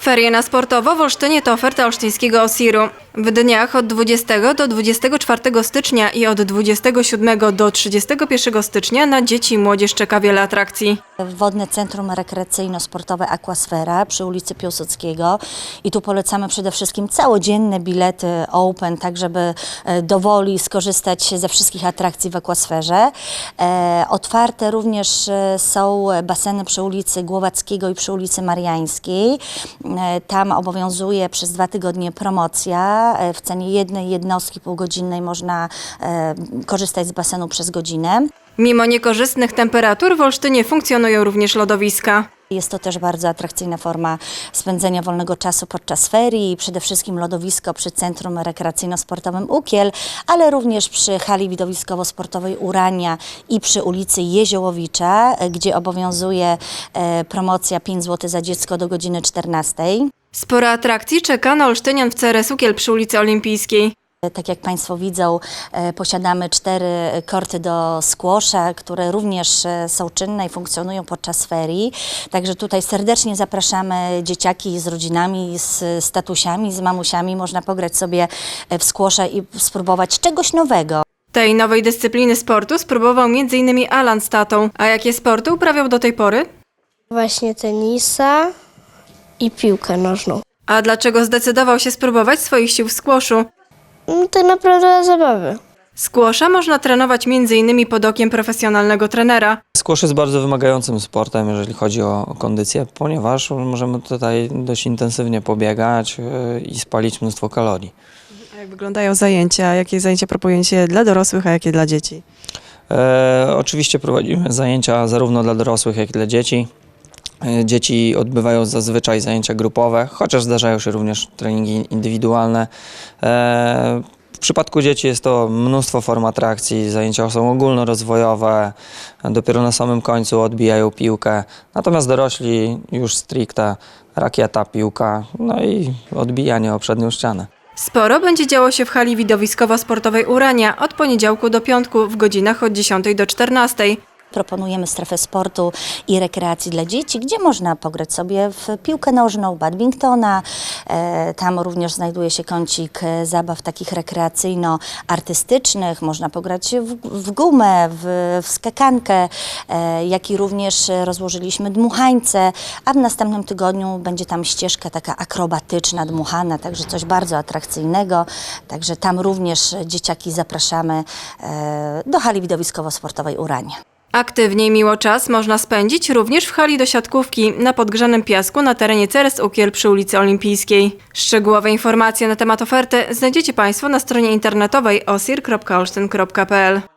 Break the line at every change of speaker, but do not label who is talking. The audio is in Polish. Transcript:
Ferie na sportowo w Olsztynie to oferta olsztyńskiego OSIR-u. W dniach od 20 do 24 stycznia i od 27 do 31 stycznia na dzieci i młodzież czeka wiele atrakcji.
Wodne Centrum Rekreacyjno-Sportowe Aquasfera przy ulicy Piłsudskiego i tu polecamy przede wszystkim całodzienne bilety open, tak żeby dowoli skorzystać ze wszystkich atrakcji w Aquasferze. Otwarte również są baseny przy ulicy Głowackiego i przy ulicy Mariańskiej. Tam obowiązuje przez 2 tygodnie promocja. W cenie jednej jednostki półgodzinnej można korzystać z basenu przez godzinę.
Mimo niekorzystnych temperatur w Olsztynie funkcjonują również lodowiska.
Jest to też bardzo atrakcyjna forma spędzenia wolnego czasu podczas ferii. Przede wszystkim lodowisko przy Centrum Rekreacyjno-Sportowym Ukiel, ale również przy hali widowiskowo-sportowej Urania i przy ulicy Jeziołowicza, gdzie obowiązuje promocja 5 zł za dziecko do godziny 14.
Sporo atrakcji czeka na olsztynian w CRS Ukiel przy ulicy Olimpijskiej.
Tak jak Państwo widzą, posiadamy 4 korty do squasha, które również są czynne i funkcjonują podczas ferii. Także tutaj serdecznie zapraszamy dzieciaki z rodzinami, z tatusiami, z mamusiami. Można pograć sobie w squasha i spróbować czegoś nowego.
Tej nowej dyscypliny sportu spróbował m.in. Alan z tatą. A jakie sporty uprawiał do tej pory?
Właśnie tenisa i piłkę nożną.
A dlaczego zdecydował się spróbować swoich sił w squashu?
Tak naprawdę dla zabawy.
Squasha można trenować m.in. pod okiem profesjonalnego trenera.
Squash jest bardzo wymagającym sportem, jeżeli chodzi o kondycję, ponieważ możemy tutaj dość intensywnie pobiegać i spalić mnóstwo kalorii.
A jak wyglądają zajęcia? Jakie zajęcia proponujecie dla dorosłych, a jakie dla dzieci?
Oczywiście prowadzimy zajęcia zarówno dla dorosłych, jak i dla dzieci. Dzieci odbywają zazwyczaj zajęcia grupowe, chociaż zdarzają się również treningi indywidualne. W przypadku dzieci jest to mnóstwo form atrakcji, zajęcia są ogólnorozwojowe, dopiero na samym końcu odbijają piłkę, natomiast dorośli już stricte rakieta, piłka, no i odbijanie o przednią ścianę.
Sporo będzie działo się w hali widowiskowo-sportowej Urania od poniedziałku do piątku w godzinach od 10 do 14.
Proponujemy strefę sportu i rekreacji dla dzieci, gdzie można pograć sobie w piłkę nożną, badmintona. Tam również znajduje się kącik zabaw takich rekreacyjno-artystycznych. Można pograć w gumę, w skakankę, jak i również rozłożyliśmy dmuchańce, a w następnym tygodniu będzie tam ścieżka taka akrobatyczna, dmuchana, także coś bardzo atrakcyjnego. Także tam również dzieciaki zapraszamy do hali widowiskowo-sportowej Urania.
Aktywnie i miło czas można spędzić również w hali do siatkówki na podgrzanym piasku na terenie CRS Ukiel przy ulicy Olimpijskiej. Szczegółowe informacje na temat oferty znajdziecie Państwo na stronie internetowej osir.olsztyn.pl.